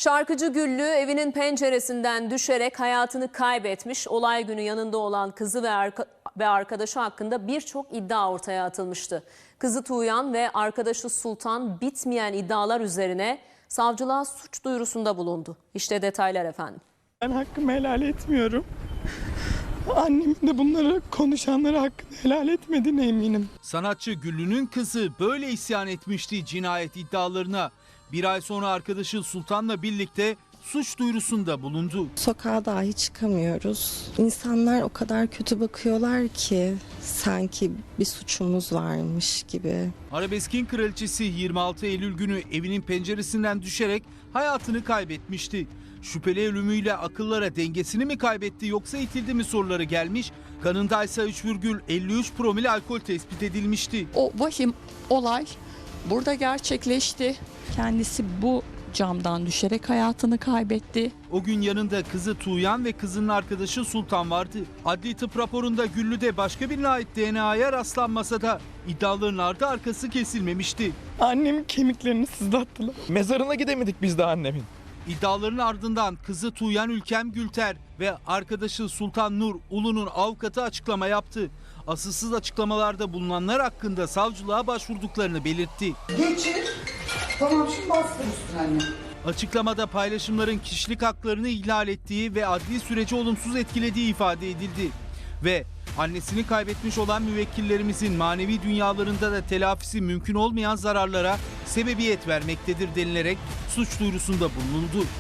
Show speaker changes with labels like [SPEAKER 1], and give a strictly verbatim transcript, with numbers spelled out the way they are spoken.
[SPEAKER 1] Şarkıcı Güllü evinin penceresinden düşerek hayatını kaybetmiş. Olay günü yanında olan kızı ve, arka ve arkadaşı hakkında birçok iddia ortaya atılmıştı. Kızı Tuğyan ve arkadaşı Sultan bitmeyen iddialar üzerine savcılığa suç duyurusunda bulundu. İşte detaylar efendim.
[SPEAKER 2] Ben hakkımı helal etmiyorum. Annemin de bunları konuşanlara hakkını helal etmediğine eminim.
[SPEAKER 3] Sanatçı Güllü'nün kızı böyle isyan etmişti cinayet iddialarına. Bir ay sonra arkadaşı Sultan'la birlikte suç duyurusunda bulundu.
[SPEAKER 4] Sokağa dahi çıkamıyoruz. İnsanlar o kadar kötü bakıyorlar ki sanki bir suçumuz varmış gibi.
[SPEAKER 3] Arabeskin kraliçesi yirmi altı Eylül günü evinin penceresinden düşerek hayatını kaybetmişti. Şüpheli ölümüyle akıllara dengesini mi kaybetti yoksa itildi mi soruları gelmiş. Kanındaysa üç virgül elli üç promil alkol tespit edilmişti.
[SPEAKER 5] O vahim olay burada gerçekleşti. Kendisi bu camdan düşerek hayatını kaybetti.
[SPEAKER 3] O gün yanında kızı Tuğyan ve kızının arkadaşı Sultan vardı. Adli tıp raporunda Güllü'de başka birine ait D N A'ya rastlanmasa da iddiaların ardı arkası kesilmemişti.
[SPEAKER 2] Annemin kemiklerini sızlattılar.
[SPEAKER 6] Mezarına gidemedik biz de annemin.
[SPEAKER 3] İddiaların ardından kızı Tuğyan Ülkem Gülter ve arkadaşı Sultan Nur Ulu'nun avukatı açıklama yaptı. Asılsız açıklamalarda bulunanlar hakkında savcılığa başvurduklarını belirtti.
[SPEAKER 7] Geçir. Tamam şimdi bastır üstüne anne.
[SPEAKER 3] Açıklamada paylaşımların kişilik haklarını ihlal ettiği ve adli süreci olumsuz etkilediği ifade edildi. Ve annesini kaybetmiş olan müvekkillerimizin manevi dünyalarında da telafisi mümkün olmayan zararlara sebebiyet vermektedir denilerek suç duyurusunda bulunuldu.